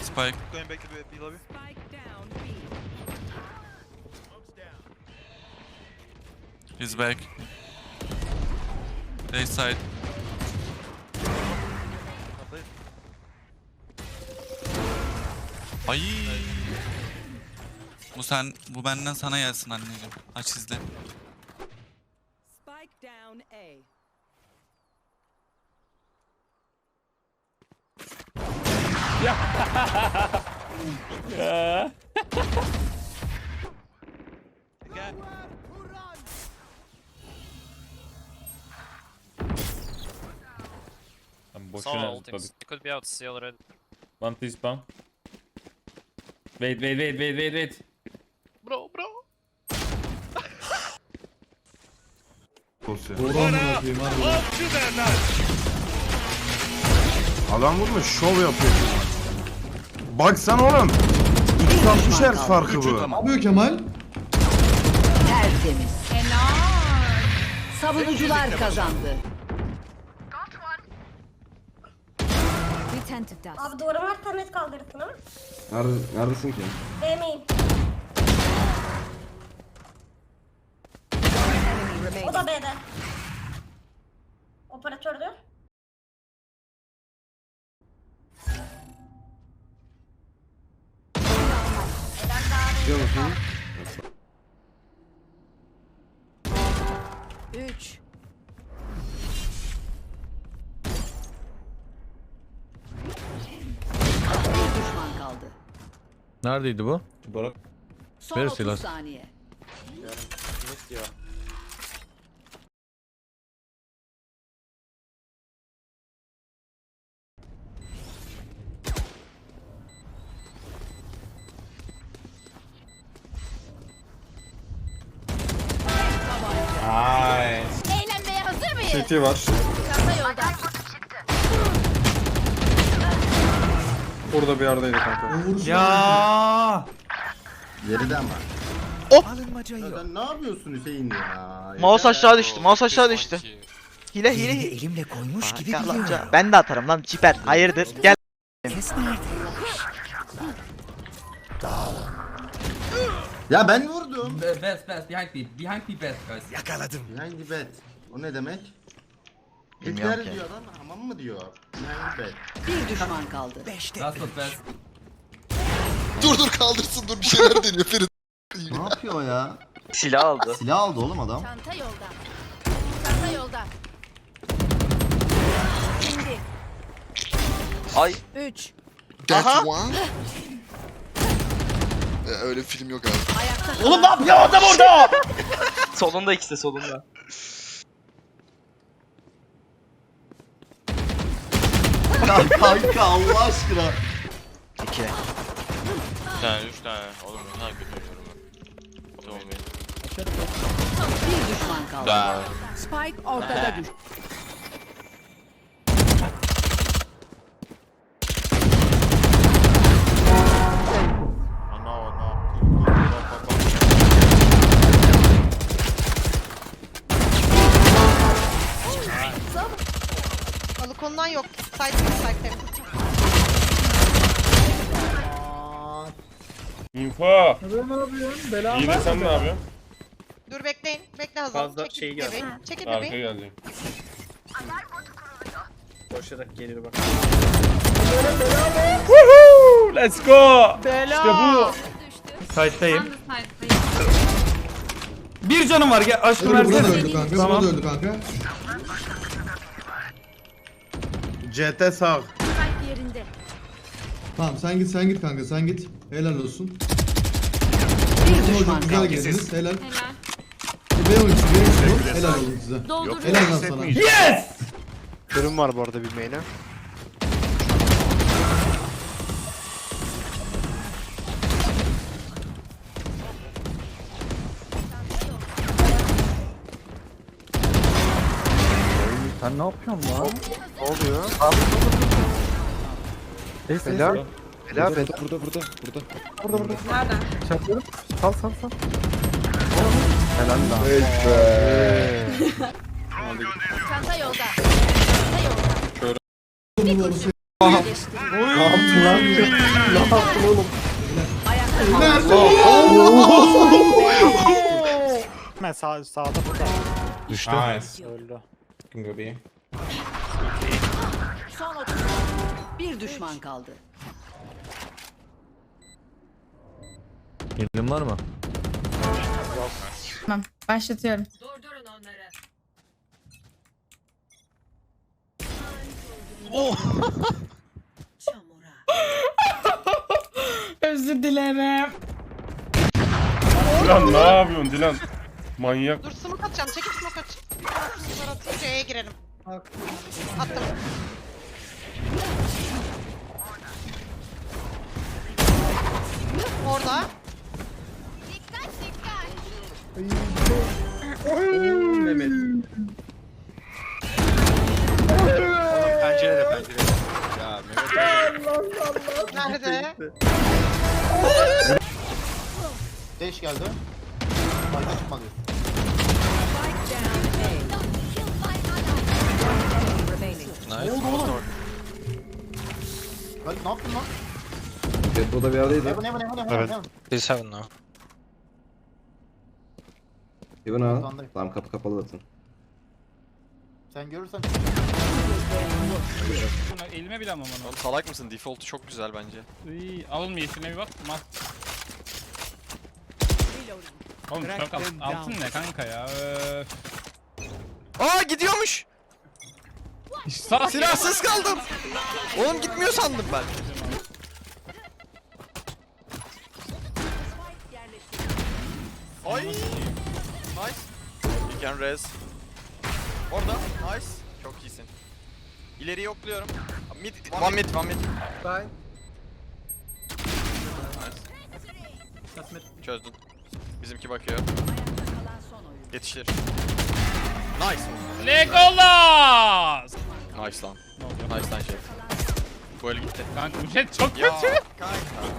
Spike. Going back to B lobby. He's back. A side. Ay. Bu benden sana gelsin anneciğim. Aç izle. Spike down A. Again. I'm Saw boşuna ultings. zıpladık. It could be out C already. One please spawn. Wait. Bro. Adam vurmuş, şov yapıyor. Baksana oğlum. 360 Hz farkı bu. Ne yapıyor Kemal? Tertemiz. Savunucular kazandı. Abi duvarı varsa net kaldırırsın ama. Neredesin ki? Değmeyin. O da B'de. Operatördü. Biliyor musun? 3. Bir düşman kaldı. Neredeydi bu? Son Neresi 30 lan? saniye. Eğlenmeye hazır mıyız? CT var. Çanta yolda. Burada bir yerdeydi kanka. O vuruş Ya. Geride ama. Alınmaca yok. Sen ne yapıyorsun Hüseyin ya? Mouse aşağı düştü. Mouse aşağı düştü. Hile Elini hile. elimle koymuş gibi Gel lan. biliyorum. Ben de atarım lan çiper. Hayırdır? Gel. Kes nerede? Ya ben vurdum. Best, behind the best guys. Yakaladım. Behind the bed. O ne demek? Bilmiyorum Hitler ki. diyor lan, hamam mı diyor? Behind the bed. Bir düşman kaldı. 5'te That's not best. Dur kaldırsın dur bir şeyler deniyor Ferit. Ne yapıyor o ya? Silah aldı. Silah aldı oğlum adam. Çanta yolda. Çanta yolda. Şimdi. Ay. 3. That one. Öyle bir film yok abi. Ayakta Oğlum ne yapıyor adam orada? Solunda ikisi de solunda. Kanka Allah aşkına. 2. 3 tane. Oğlum ne kadar kötü oynuyorum ben. Tamam benim. bir düşman kaldı. Spike ortada düştü. Balkondan yok. Side. Info. Ne yapıyorsun? İyi de sen ne yapıyorsun? Dur bekleyin. Bekle Hazal. Fazla şey geldi. Çekil Arka gelecek. Koşarak gelir bak. Let's go. Bela. İşte bu. Side'dayım. Bir canım var gel aşkım Burada da versene. öldü kanka. Tamam. Burada da öldü kanka. CT sağ. Yerinde. Tamam sen git kanka sen git. Helal olsun. Bir düşman Hocam güzel kaldı. geldiniz. Helal. B oyuncusu. Helal olsun size. Helal lan sana. Yes! Durum var bu arada bilmeyene. Sen ne yapıyorsun lan? Ne oluyor? Neyse. Bela. Bela bela. Burada. Nereden? Çarpıyorum. Sal. Helal lan. Çanta yolda. Çanta yolda. Bunu Ne yaptın lan? Ne yaptın oğlum? Hemen sağda burada. Düştü. Öldü. Son 30. Bir düşman kaldı. Elim var mı? Tamam. Başlatıyorum. Durdurun onları. Çamura. Özür dilerim. Dilan ne yapıyorsun Dilan? Manyak. Dur smoke atacağım. Çekil smoke atacağım. Sonra atınca C'ye girelim. Attım. Orada. Pencerede pencerede. Ya Mehmet Nerede? 5 geldi. Fayda çıkmadı. Remaining. Galip ne yaptın lan? Burada bir yerdeydi. Heaven. Biz heaven now. Even ha. Tamam kapı kapalı zaten. Sen görürsen Elime bile almam onu. Oğlum salak mısın? Default'u çok güzel bence. Alın mı yeşiline bir bak. Oğlum çok altın ne kanka ya? Aa gidiyormuş. Sağ Silahsız kaldım. Oğlum gitmiyor sandım ben. Ay. Nice. You can res. Orada. Nice. Çok iyisin. İleri yokluyorum. Mid. One mid. Nice. Çözdün. Bizimki bakıyor. Kalan son oyun. Yetişir. Nice. Legolas! Nice lan. Ne oluyor? Nice lan şey. Bu el gitti. Kanka bu jet çok Ya kötü. kanka.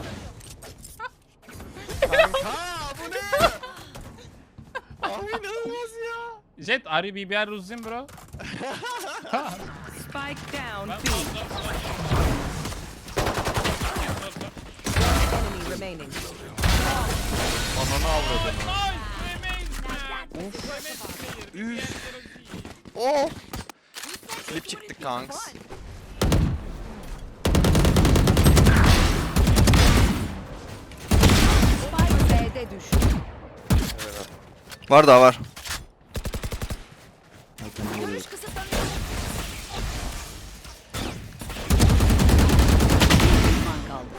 Kanka bu ne? Abi inanılmaz ya. Jet are you BBR Ruzin bro? Spike down. Ben B. Enemy remaining. Ananı avradını. Oh. Flip çıktık kanks. Spike B'de düştü. Var daha var. Görüş kısıtlanıyor. Bir düşman kaldı.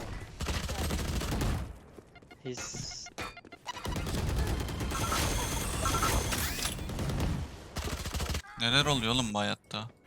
Neler oluyor oğlum bu hayatta?